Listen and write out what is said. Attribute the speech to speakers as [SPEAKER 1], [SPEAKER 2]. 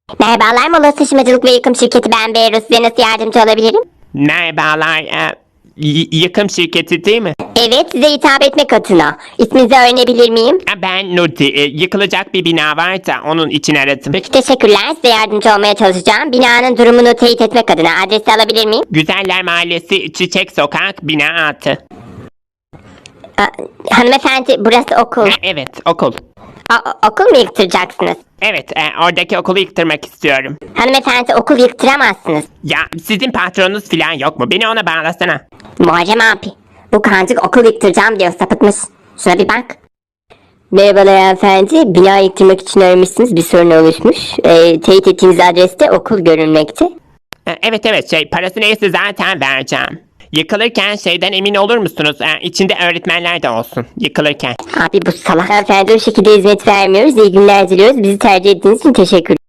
[SPEAKER 1] Merhabalar, Mola Taşımacılık ve Yıkım Şirketi, ben Beyruz. Size nasıl yardımcı olabilirim?
[SPEAKER 2] Merhabalar. Yıkım şirketi değil mi?
[SPEAKER 1] Evet, size hitap etmek adına. İsminizi öğrenebilir miyim?
[SPEAKER 2] Ben Nurti. Yıkılacak bir bina var da onun için aradım.
[SPEAKER 1] Peki, teşekkürler. Size yardımcı olmaya çalışacağım. Binanın durumunu teyit etmek adına adresi alabilir miyim?
[SPEAKER 2] Güzeller Mahallesi, Çiçek Sokak, bina 6.
[SPEAKER 1] Hanımefendi, burası okul.
[SPEAKER 2] Evet, okul.
[SPEAKER 1] Okul mu yıktıracaksınız?
[SPEAKER 2] Evet, oradaki okulu yıktırmak istiyorum.
[SPEAKER 1] Hanımefendi, okul yıktıramazsınız.
[SPEAKER 2] Ya sizin patronunuz falan yok mu? Beni ona bağlasana.
[SPEAKER 1] Muharrem abi, bu kancık okul yıktıracağım diyor, sapıtmış. Şuna bir bak. Merhabalar hanımefendi, bina yıktırmak için aramışsınız, bir sorun oluşmuş. Teyit ettiğiniz adreste okul görünmekte.
[SPEAKER 2] Evet, parası neyse zaten vereceğim. Yıkılırken şeyden emin olur musunuz? İçinde öğretmenler de olsun yıkılırken.
[SPEAKER 1] Abi bu salak. Hanımefendi, o şekilde hizmet vermiyoruz. İyi günler diliyoruz. Bizi tercih ettiğiniz için teşekkür